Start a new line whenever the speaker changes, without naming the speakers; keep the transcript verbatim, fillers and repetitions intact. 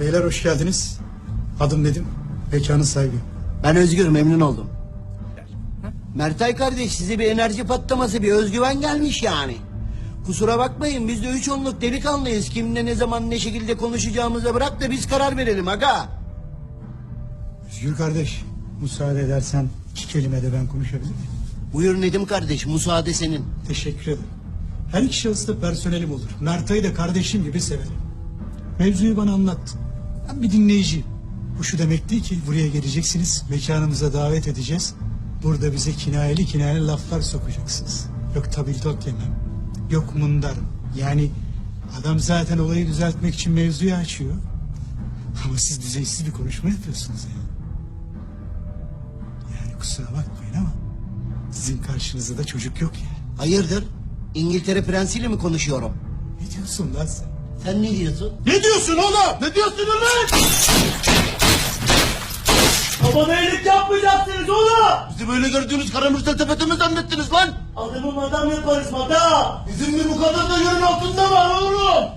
Beyler hoş geldiniz. Adım Nedim. Mekanın sahibi.
Ben Özgür, memnun oldum. Mertay kardeş, size bir enerji patlaması, bir özgüven gelmiş yani. Kusura bakmayın, biz de üç onluk delikanlıyız. Kimle ne zaman ne şekilde konuşacağımıza bırak da biz karar verelim aga.
Özgür kardeş, müsaade edersen iki kelime de ben konuşabilir miyim?
Buyur Nedim kardeş, müsaade senin.
Teşekkür ederim. Her iki şahıs da personelim olur. Mertay'ı da kardeşim gibi severim. Mevzuyu bana anlattın. Ben bir dinleyiciyim. Bu şu demek değil ki buraya geleceksiniz, mekanımıza davet edeceğiz. Burada bize kinayeli kinayeli laflar sokacaksınız. Yok tabildot yemem, yok mundarım. Yani adam zaten olayı düzeltmek için mevzuyu açıyor. Ama siz düzeysiz bir konuşma yapıyorsunuz yani. Yani kusura bakmayın ama sizin karşınızda da çocuk yok yani.
Hayırdır? İngiltere prensiyle mi konuşuyorum?
Ne diyorsun lan sen?
Sen ne diyorsun?
Ne diyorsun oğlum?
Ne diyorsun ulan? Babama iyilik yapmayacaksınız oğlum. Bizi böyle gördüğünüz karamürsel tepete mi zannettiniz lan? Adamı madam yaparız madam. Bizim bir bu kadar da yerin altında var oğlum.